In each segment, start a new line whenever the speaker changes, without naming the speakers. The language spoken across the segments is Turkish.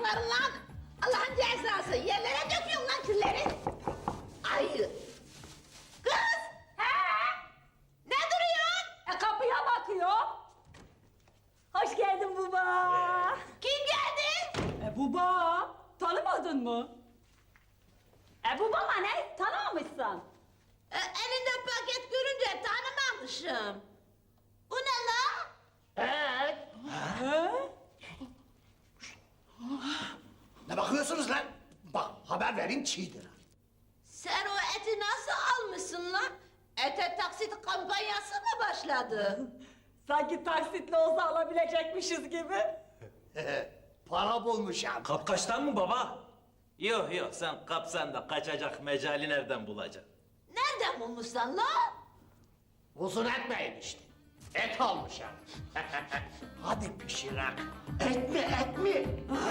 çıkarın lan. Allah'ın cezası. Yerlere döküyorsun lan külleri. Ayı. Kız. Ne duruyorsun?
Kapıya bakıyor. Hoş geldin baba.
Kim geldi?
Baba, tanımadın mı? Baba ne? Tanımamışsın.
Elinde paket görünce tanımamışım. Bu ne la?
Ne bakıyorsunuz lan? Bak haber vereyim çiğdir.
Sen o eti nasıl almışsın lan? Ete taksit kampanyası mı başladı?
Sanki taksitle olsa alabilecekmişiz gibi.
Para bulmuşum.
Kapkaçtan mı baba? Yok sen kapsan da kaçacak mecali nereden bulacaksın?
Nereden bulmuşsun la?
Uzun etmeyin işte. Et almışım. Hadi pişirek. Et mi?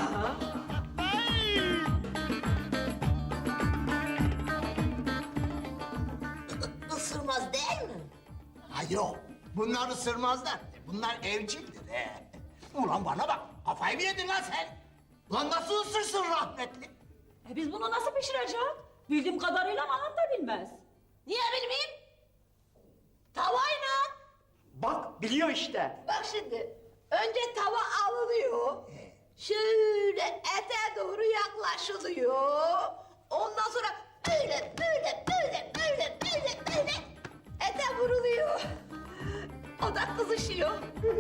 Isırmaz değil mi?
Ha yok. Bunlar ısırmazlar. Bunlar evcildir. Ulan bana bak. Kafayı mı yedin lan sen? Lan nasıl ısırsın rahmetli?
Biz bunu nasıl pişireceğiz? Bildiğim kadarıyla anam da bilmez.
Niye bilmeyeyim? Tavayla.
Bak biliyor işte.
Bak şimdi. Önce tava alınıyor. Şöyle ete doğru yaklaşılıyor. Ondan sonra böyle ete vuruluyor. O da kızışıyor.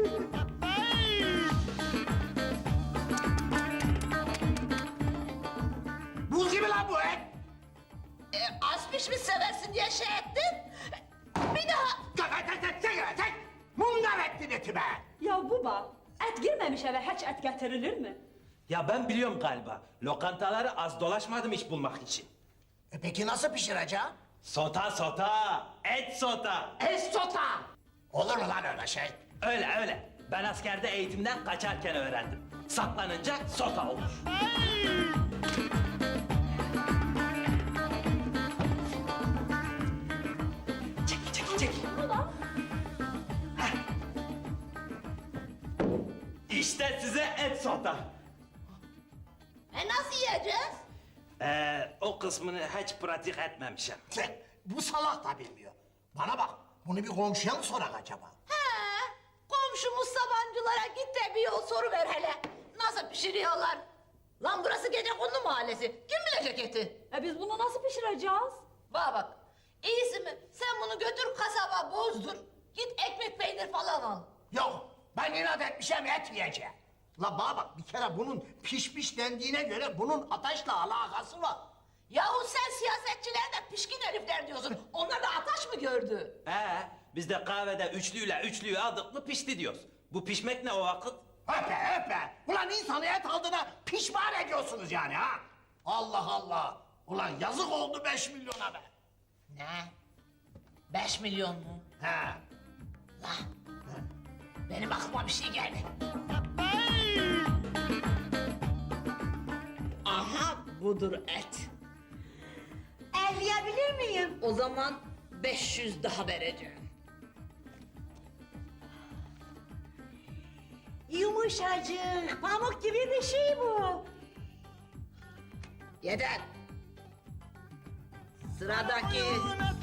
Buz gibi lan bu et.
Az pişmiş seversin diye şey ettim. Bir daha.
Tek. Mundar ettin eti be.
Ya baba, et girmemiş eve hiç et getirilir mi?
Ya ben biliyorum galiba. Lokantaları az dolaşmadım iş bulmak için.
Peki nasıl pişireceğim?
Sota. Et sota.
Estota. Olur mu lan öyle şey?
Öyle. Ben askerde eğitimden kaçarken öğrendim. Saklanınca sota olur. Çek.
Baba,
İşte size et sota.
Nasıl yiyeceğiz?
O kısmını hiç pratik etmemişim.
Bu salak da bilmiyor. Bana bak, bunu bir komşuya mı sorak acaba?
Komşumuz Sabancılara git de bir yol soru ver hele. Nasıl pişiriyorlar? Lan burası Gecekondu mahallesi. Kim bilecek eti?
biz bunu nasıl pişireceğiz?
Bak. İyisi mi? Sen bunu götür kasaba bozdur. Git ekmek peynir falan al.
Yok, ben inat etmişim et yiyeceğim. La bana bak, bir kere bunun pişmiş dendiğine göre bunun ateşle alakası var.
Yahu sen siyasetçiler de pişkin herifler diyorsun. Onlar da ataş mı gördü?
Biz de kahvede üçlüyü aldık mı pişti diyoruz. Bu pişmek ne o vakit?
Öpe. Ulan insanı et aldığına pişman ediyorsunuz yani ha? Allah. Ulan yazık oldu 5 milyona be.
Ne? 5 milyon mu?
He.
Lan. Benim aklıma bir şey geldi. Aha budur et. Elleyebilir miyim? O zaman 500 daha vereceğim. Yumuşacık, pamuk gibi bir şey bu. Yeter. Sıradaki.